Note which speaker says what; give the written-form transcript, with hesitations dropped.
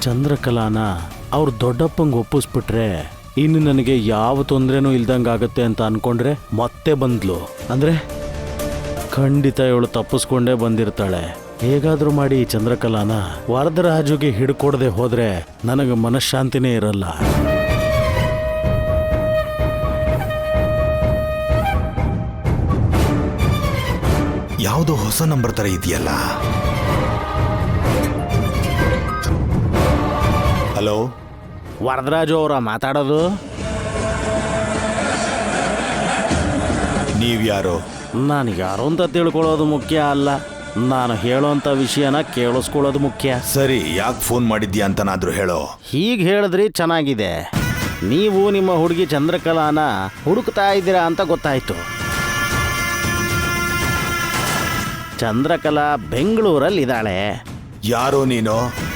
Speaker 1: ಚಂದ್ರಕಲಾನ ಅವ್ರ ದೊಡ್ಡಪ್ಪಂಗೆ ಒಪ್ಪಿಸ್ಬಿಟ್ರೆ ಇನ್ನು ನನಗೆ ಯಾವ ತೊಂದರೆನೂ ಇಲ್ದಂಗಾಗತ್ತೆ ಅಂತ ಅನ್ಕೊಂಡ್ರೆ ಮತ್ತೆ ಬಂದ್ಲು ಅಂದ್ರೆ ಖಂಡಿತ ಇವಳು ತಪ್ಪಿಸ್ಕೊಂಡೇ ಬಂದಿರ್ತಾಳೆ. ಹೇಗಾದ್ರೂ ಮಾಡಿ ಈ ಚಂದ್ರಕಲಾನ ವರದರಾಜುಗೆ ಹಿಡ್ಕೊಡದೆ ಹೋದ್ರೆ ನನಗೆ ಮನಃಶಾಂತಿನೇ ಇರಲ್ಲ.
Speaker 2: ಯಾವುದೋ ಹೊಸ ನಂಬರ್ ತರ ಇದೆಯಲ್ಲ. ಹಲೋ,
Speaker 1: ವರದರಾಜು ಅವರ ಮಾತಾಡೋದು?
Speaker 2: ನೀವ್ಯಾರು?
Speaker 1: ನಾನು ಯಾರು ಅಂತ ತಿಳ್ಕೊಳ್ಳೋದು ಮುಖ್ಯ ಅಲ್ಲ, ನಾನು ಹೇಳೋಂಥ ವಿಷಯನ ಕೇಳಿಸ್ಕೊಳ್ಳೋದು ಮುಖ್ಯ.
Speaker 2: ಸರಿ, ಯಾಕೆ ಫೋನ್ ಮಾಡಿದ್ಯಾ ಅಂತನಾದ್ರೂ ಹೇಳೋ.
Speaker 1: ಹೀಗೆ ಹೇಳಿದ್ರಿ ಚೆನ್ನಾಗಿದೆ. ನೀವು ನಿಮ್ಮ ಹುಡುಗಿ ಚಂದ್ರಕಲಾನ ಹುಡುಕ್ತಾ ಇದ್ದೀರಾ ಅಂತ ಗೊತ್ತಾಯ್ತು. ಚಂದ್ರಕಲಾ ಬೆಂಗಳೂರಲ್ಲಿ ಇದ್ದಾಳೆ.
Speaker 2: ಯಾರೋ ನೀನು?